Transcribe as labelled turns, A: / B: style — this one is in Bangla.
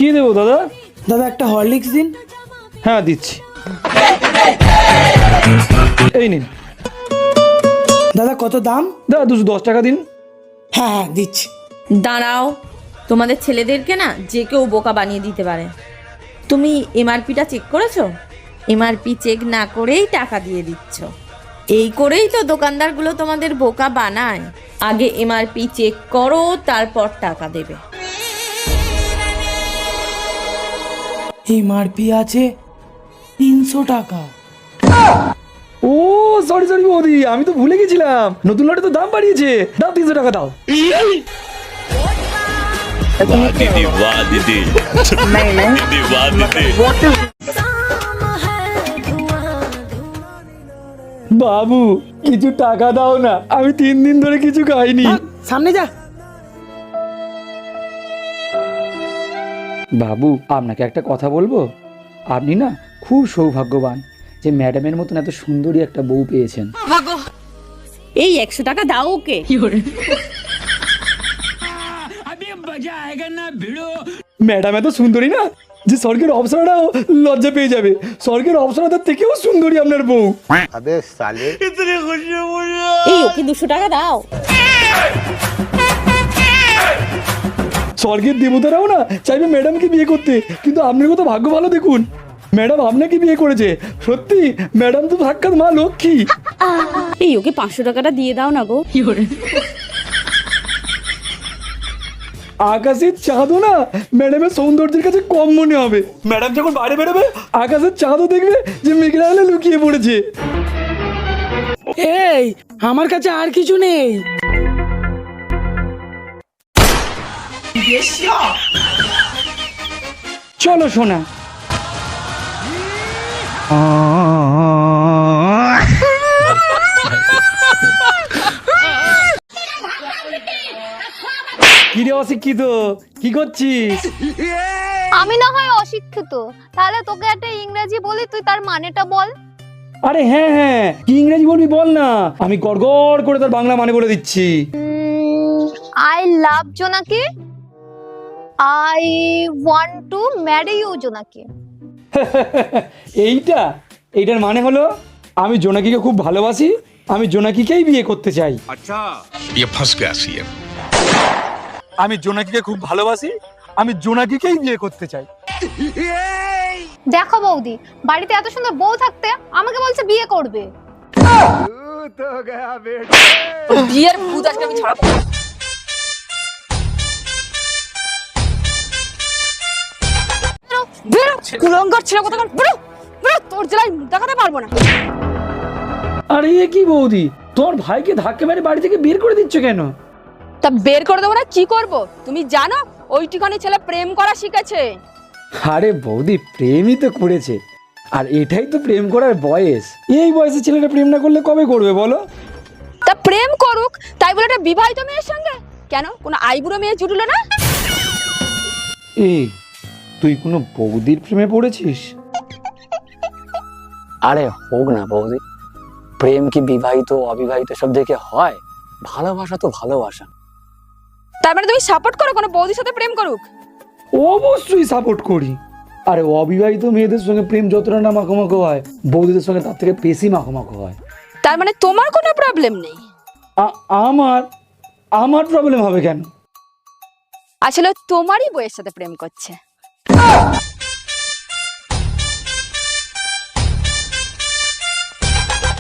A: কি দেবো দাদা?
B: দাদা একটা হরলিক্স দিন।
A: হ্যাঁ দিচ্ছি, এই নিন।
B: দাদা কত দাম?
A: দাদা 210 টাকা দিন।
B: হ্যাঁ হ্যাঁ দিচ্ছি।
C: দাঁড়াও, তোমাদের ছেলেদেরকে না যে কেউ বোকা বানিয়ে দিতে পারে। তুমি এমআরপিটা চেক করেছো? এমআরপি চেক না করেই টাকা দিয়ে দিচ্ছ। এই করেই তো দোকানদারগুলো তোমাদের বোকা বানায়। আগে এমআরপি চেক করো, তারপর টাকা দেবে।
B: এমআরপি আছে 300 টাকা।
A: ও সরি সরি বৌদি, আমি তো ভুলে গেছিলাম, নতুন লটে তো দাম বাড়িয়েছে। দাও 300 টাকা দাও।
D: वाह दीदी वाह दीदी दीदी वाह दीदी।
A: বাবু কিছু টাকা দাও না, আমি 3 দিন ধরে কিছু খাইনি।
B: সামনে যা।
A: বাবু আপনাকে একটা কথা বলবো, আপনি না খুব সৌভাগ্যবান যে ম্যাডামের মতন এত সুন্দরী একটা বউ পেয়েছেন।
C: এই 100 টাকা দাও ওকে।
A: ম্যাডাম এত সুন্দরী না যে স্বর্গের অপ্সরাটাও লজ্জা পেয়ে যাবে। স্বর্গের অপ্সরাদের থেকেও সুন্দরী আপনার বউ।
C: এই ওকে 200 টাকা দাও।
A: স্বর্গের দেবতারাও না চাইবে ম্যাডামকে বিয়ে করতে, কিন্তু আপনার কত ভাগ্য ভালো দেখুন, ম্যাডাম আপনাকে বিয়ে করেছে। সত্যি ম্যাডাম তো সাক্ষাৎ মা লক্ষ্মী।
C: এই ওকে 500 টাকাটা দিয়ে দাও না গো।
A: আকাশের চাঁদও না ম্যাডামের সৌন্দর্যের কাছে কম মনে হবে। ম্যাডাম যখন বাইরে বেরোবে আকাশের চাঁদও দেখবে যে মেঘলা হলে লুকিয়ে পড়েছে।
B: এই আমার কাছে আর কিছু নেই।
A: চলো সোনা। কিরে অশিক্ষিত, কি করছিস?
E: আমি না হয় অশিক্ষিত, তাহলে তোকে একটা ইংরেজি বলি, তুই তার মানেটা বল।
A: আরে হ্যাঁ হ্যাঁ, কি ইংরেজি বলবি বল না, আমি গড়গড় করে তার বাংলা মানে বলে দিচ্ছি।
E: I love Jonaki, I want to marry you Jonaki.
A: এইটার মানে হলো আমি জোনাকিকে খুব ভালোবাসি, আমি জোনাকিকেই বিয়ে করতে চাই।
D: अच्छा ये फंस गया सीएम।
A: আমি জোনাকিকে খুব ভালোবাসি, আমি জোনাকিকেই বিয়ে করতে চাই।
E: দেখো বৌদি, বাড়িতে এত সুন্দর বউ থাকতে আমাকে বলছে বিয়ে করবে।
C: বিয়ের ভূত আজকে আমি ছাড়াবো। বেরো কুলঙ্গার ছেলে কোথাকার, বেরো বেরো, তোর জেলায় মুখ দেখাতে পারবো না।
A: আরে এ কি বৌদি, তোমার ভাইকে ধাক্কা মেরে বাড়ি থেকে বের করে দিচ্ছ কেন?
F: তা বের করে দেবো না কি করব? তুমি জানো ওইটুখানি ছেলে প্রেম করা শিখেছে।
A: আরে বৌদি প্রেমই তো করেছে, আর এটাই তো প্রেম করার বয়স। এই বয়সে ছেলেটা প্রেম না করলে কবে করবে বলো?
F: তা প্রেম করুক, তাই বলে একটা বিবাহিত মেয়ের সঙ্গে কেন? কোনো আইবুড়ো মেয়ে জুটলো না?
A: এই তুই কোনো বৌদির প্রেমে পড়েছিস?
G: আরে হোক না বৌদি, প্রেম কি বিবাহিত অবিবাহিত সব দেখে হয়? ভালোবাসা তো ভালোবাসা।
F: তার মানে তুমি সাপোর্ট করো কোনো বৌদির সাথে প্রেম করুক?
A: অবশ্যই সাপোর্ট করি। আরে অবিবাহিত মেয়েদের সঙ্গে প্রেম যতটা না মাখোমাখো হয়, বৌদিদের সঙ্গে তার থেকে বেশি মাখোমাখো হয়।
F: তার মানে তোমার কোনো প্রবলেম নেই?
A: আমার আমার প্রবলেম হবে কেন?
F: আসলে তোমারই বউয়ের সাথে প্রেম করছে।